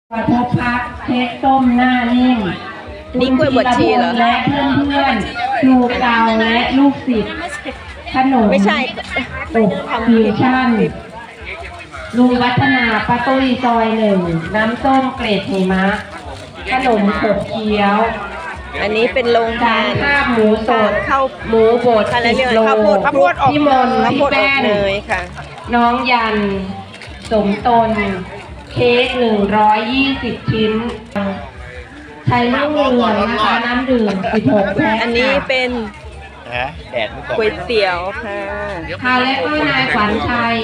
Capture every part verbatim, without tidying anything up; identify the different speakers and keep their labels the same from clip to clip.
Speaker 1: กระทบพักเค้กต้มหน้านิ่ม
Speaker 2: นี่กล้วยบวชชีเหรอ
Speaker 1: และเพื่อนเพื่อนครูเก่าและลูกศิษย์ขนม
Speaker 2: ไม่ใช่
Speaker 1: อบฟิวชั่นลุงวัฒนาป้าตุ้ยซอยหนึ่งน้ำส้มเกรดหิมะขนมขบเคี้ยว
Speaker 2: อันนี้เป็นโรงทาน
Speaker 1: ข้าวหมูสด
Speaker 2: ข้าว
Speaker 1: หมูบดสิบโล
Speaker 2: ข้าวโพดข้าวโพดอบ
Speaker 1: พี่มนพี่แป้ง
Speaker 2: เลยค่ะ
Speaker 1: น้องยันสมตนเค้กหนึ่งร้อยยี่สิบชิ้นไทยลูกเรืองนะคะน้ำดื่มสิบหกแพ็ค
Speaker 2: อันนี้เป็นก๋วยเตี๋ยวค่ะ
Speaker 1: ค่ะและก็นายขวัญชัย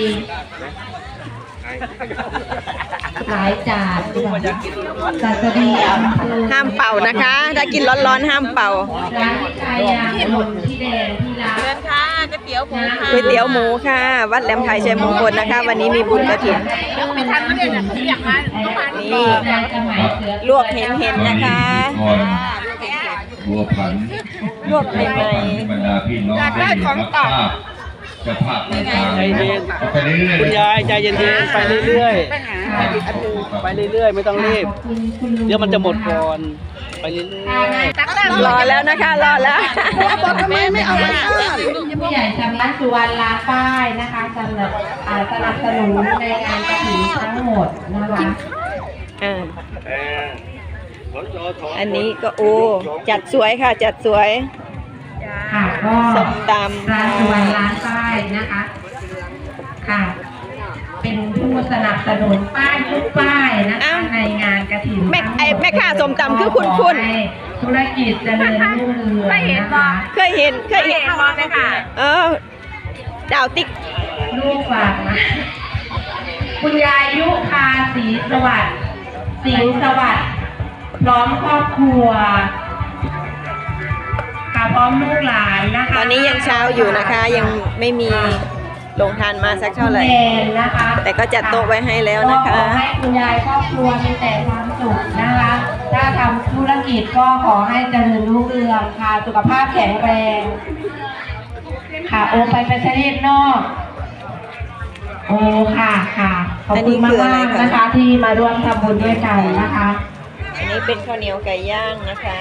Speaker 1: หลายจานจัดดี
Speaker 2: ห้ามเป่านะคะถ้ากินร้อนๆห้ามเป่า
Speaker 1: ร้านที่ใจยางหมดที่แดงที่ร้าน
Speaker 2: เชิญค่ะก๋วยเตี๋ยวหมูค่ะก๋วยเตี๋ยวหมูค่ะวัดแหลมไทยชัยมงคลนะคะวันนี้มีบุญกฐินนี่ลวกเห็นๆนะคะ
Speaker 3: บัวผัน
Speaker 2: ลวกใหม่
Speaker 3: ๆอยากได้ของต่อจะภาพใจเย็น
Speaker 4: คุณยายใจเย็นๆไปเรื่อยๆไปเรื่อยๆไม่ต้องรีบเดี๋ยวมันจะหมดก่อนไปเรื่อย
Speaker 2: ๆรอแล้วนะคะรอแล้ว
Speaker 1: บอกทำไมไม่เอาไปผู้ใหญ่สำนักสุวรรณลาป้ายนะคะสำหรับสนับสนุนในงานกฐินทั้งหมดนะคะ
Speaker 2: อันนี้ก็โอ้จัดสวยค่ะจัดสวย
Speaker 1: ค่ะก็
Speaker 2: ส้มตำ
Speaker 1: ร้านสุวรรณร้านป้ายนะคะค่ะเป็นผู้สนับสนุนป้ายทุกป้ายนะคะในงานกฐิน
Speaker 2: แม่ไอแม่ค้าส้มตำคือคุณคุณ
Speaker 1: ธุรกิจเจริญรุ่งเรืองนะคะ
Speaker 2: เคยเห็นเคยเห็นไหมคะเออดาวติ๊ก
Speaker 1: ลูกฝากนะคุณยายยุพาศรีสวัสดิ์สิงห์สวัสดิ์พร้อมครอบครัวค่ะพร้อมลูกหลานนะคะ
Speaker 2: ตอนนี้ยังเช้าอยู่นะคะยังไม่มีลงทานมาสักเท่าไหร่
Speaker 1: นะคะ
Speaker 2: แต่ก็จัดโต๊ะไว้ให้แล้วนะคะ
Speaker 1: ขอให้คุณยายครอบครัวมีแต่ความสุขนะคะถ้าทำธุรกิจก็ขอให้เจริญรุ่งเรืองค่ะสุขภาพแข็งแรงค่ะโอไปประเทศนอกโอ้ค่ะค่ะขอบคุณมากๆนะคะที่มาร่วมทำบุญด้วยกันนะคะ
Speaker 2: อันนี้เป็นข้าวเหนียวไก่ย่างนะคะ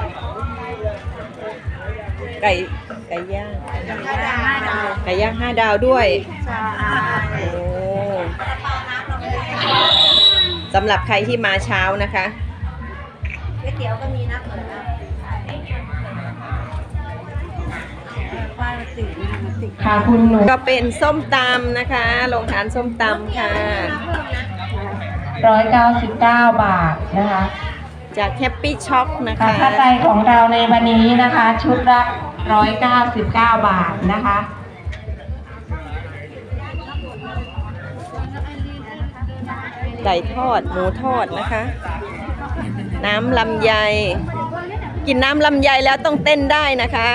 Speaker 2: ไก่ไก่ย่างไก่ย่างห้าดาวด้วยโอ้สำหรับใครที่มาเช้านะคะก๋วยเตี๋ยวก็มีนะ
Speaker 1: ค่ะคุณหนู
Speaker 2: ก็เป็นส้มตำนะคะลงทานส้มตำค่ะ
Speaker 1: ร้อยเก้าสิบเก้าบาทนะคะ
Speaker 2: จากแฮปปี้ช็อคนะคะ
Speaker 1: ค่าใจของเราในวันนี้นะคะชุดละร้อยเก้าสิบเก้าบาทนะคะ
Speaker 2: ไก่ทอดหมูทอดนะคะน้ำลำไยกินน้ำลำไยแล้วต้องเต้นได้นะคะ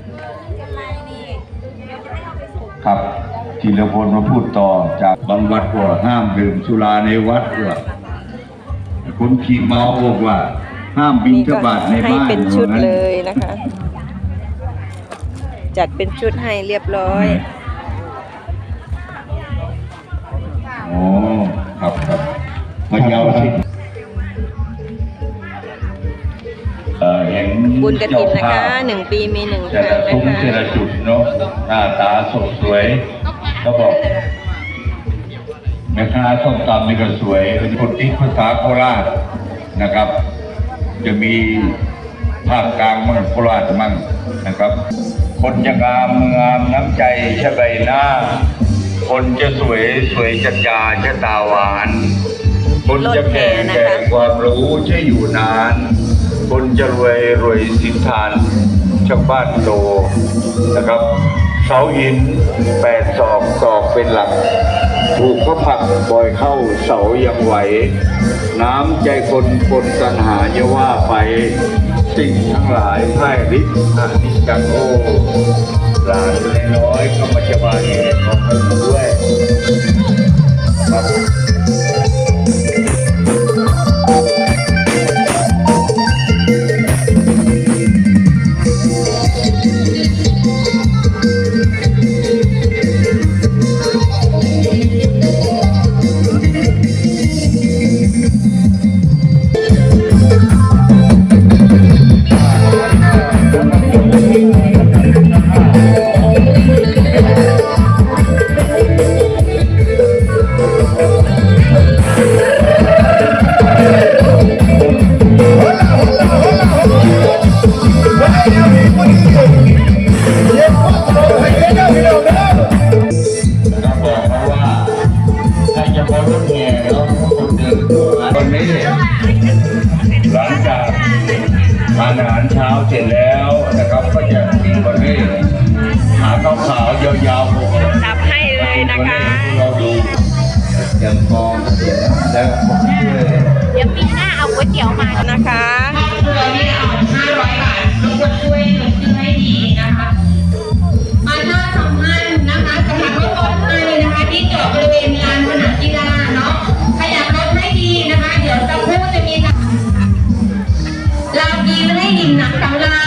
Speaker 3: ครับธีรพลมาพูดต่อจากบางวัดว่าห้ามดื่มสุราในวัดว่าคนขี่เมาบอกว่าห้ามบิณฑบาตในบ้าน
Speaker 2: ให้เป็นชุดเลยนะคะจัดเป็นชุดให้เรียบร้อย
Speaker 3: โอ้ครับครับมาเยาวสิ
Speaker 2: บุญกฐินนะคะหนึ่งปีมีหนึ่งครั้งนะคะ
Speaker 3: แต่ละจุดเนาะหน้าตาสดสวยก็บอกแม่ค้าส้มตำนี่ก็สวยเป็นคนที่ภาษาโคราชนะครับจะมีภาคกลางมั่งโคราชมั่งนะครับคนจะงามงามน้ำใจใช่ใบหน้าคนจะสวยสวยจัญญาใช่ตาหวานคนจะแก่แก่ความรู้ใช่อยู่นานคนจะรวยรวยสินทานชาวบ้านโตนะครับเสาหินแปดศอกศอกเป็นหลักถูกเขาผักบ่อยเข้าเสายังไหวน้ำใจคนคนตัณหาอย่าว่าไปสิ่งทั้งหลายไพร่ฤทธิ์อานิจจังโอหลานน้อยก็มาจะมาเห็นของเขาด้วยครับวันนี้หลังจากทานอาหารเช้าเสร็จแล้วนะครับ ก็จะมีวันนี้หาข้าวขาวยาวๆหก
Speaker 2: จับให้เลยนะคะ
Speaker 3: เราดูยังมองเสียแล้วผมช่วย
Speaker 2: เดี๋ยวปีหน้าเอาก๋วยเตี๋ยวมานะคะ
Speaker 1: ครอบครัวนี่เอาห้าร้อยบาทรบกวนช่วยลงชื่อให้ดีนะคะประชาสัมพันธ์นะคะสำหรับรถรถไทยนะคะที่จอดบริเวณลานสนามกีฬาเนาะขยับรถให้ดีนะคะ เดี๋ยวจะพูดจะมีลาวดีไม่ให้ดิ่มหนักสำราญ